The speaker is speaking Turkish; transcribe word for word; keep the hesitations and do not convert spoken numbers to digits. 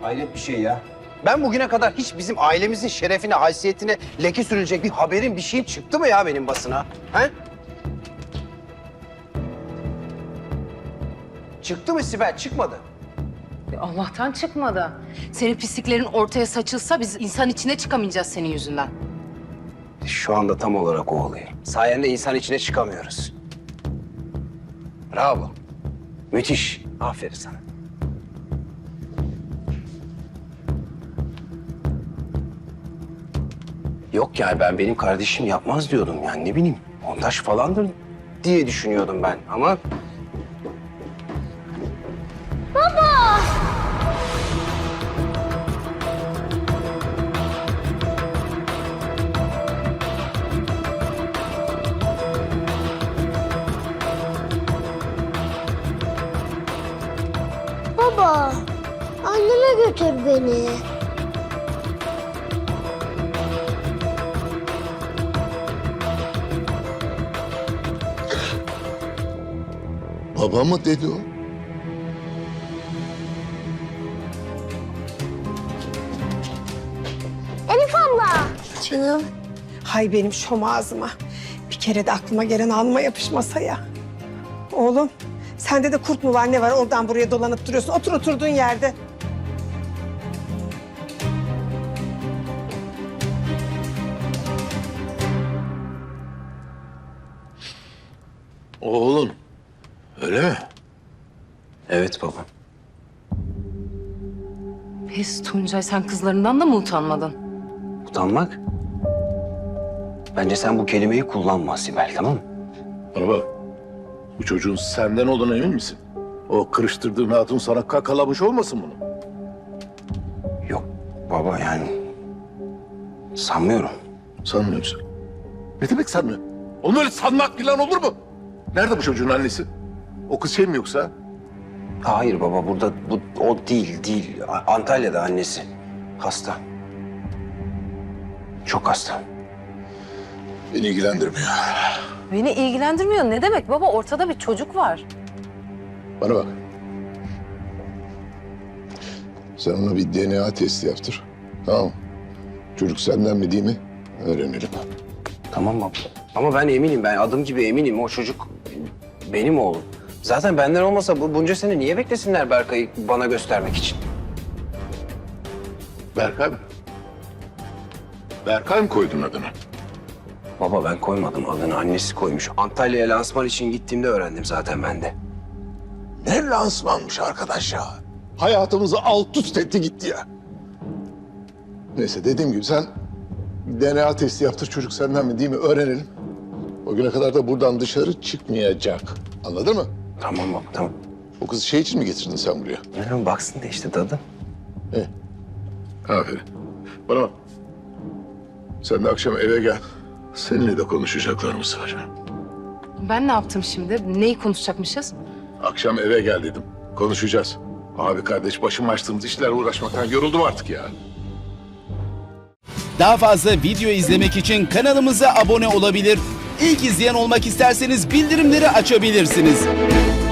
Hayret bir şey ya. Ben bugüne kadar hiç bizim ailemizin şerefine, haysiyetine leke sürülecek bir haberin, bir şeyin çıktı mı ya benim basına? He? Çıktı mı Sibel? Çıkmadı. Allah'tan çıkmadı. Senin pisliklerin ortaya saçılsa biz insan içine çıkamayacağız senin yüzünden. Şu anda tam olarak o oluyor. Sayende insan içine çıkamıyoruz. Bravo. Müthiş. Aferin sana. Yok yani ben benim kardeşim yapmaz diyordum yani ne bileyim. Montaj falandır diye düşünüyordum ben ama... Baba, anneme götür beni. Baba mı dedi o? Elif abla. Canım. Hay benim şom ağzıma. Bir kere de aklıma gelen alma yapışmasa ya. Oğlum, sende de kurt mu var ne var oradan buraya dolanıp duruyorsun. Otur oturduğun yerde. Oğlun. Öyle mi? Evet baba. Pes Tuncay, sen kızlarından da mı utanmadın? Utanmak? Bence sen bu kelimeyi kullanma Sibel, tamam mı? Bana bak. Bu çocuğun senden olduğuna emin misin? O kırıştırdığın hatun sana kakalamış olmasın bunu? Yok baba yani sanmıyorum. Sanmıyor musun? Ne demek sanmıyor? Onu öyle sanmak falan olur mu? Nerede bu çocuğun annesi? O kız şey mi yoksa? Hayır baba burada bu o değil değil. A- Antalya'da annesi hasta. Çok hasta. Beni ilgilendirmiyor. Beni ilgilendirmiyor. Ne demek baba? Ortada bir çocuk var. Bana bak. Sen ona bir D N A testi yaptır. Tamam mı? Çocuk senden mi değil mi? Öğrenelim. Tamam baba. Ama ben eminim ben adım gibi eminim o çocuk benim oğlum. Zaten benden olmasa bu bunca sene niye beklesinler Berkay'ı bana göstermek için? Berkay mı? Berkay mı koydun adını? Baba ben koymadım adını annesi koymuş. Antalya'ya lansman için gittiğimde öğrendim zaten ben de. Ne lansmanmış arkadaş ya. Hayatımızı alt üst etti gitti ya. Neyse dediğim gibi sen D N A testi yaptır çocuk senden mi değil mi öğrenelim. O güne kadar da buradan dışarı çıkmayacak. Anladın mı? Tamam baba tamam. O kızı şey için mi getirdin sen buraya? Bilmiyorum baksın da işte dadı. İyi. Aferin. Bana bak. Sen de akşam eve gel. Seninle de konuşacaklarımız var. Ben ne yaptım şimdi? Neyi konuşacakmışız? Akşam eve gel dedim. Konuşacağız. Abi kardeş başım açtığımız işlerle uğraşmaktan yoruldum artık ya. Daha fazla video izlemek için kanalımıza abone olabilir. İlk izleyen olmak isterseniz bildirimleri açabilirsiniz.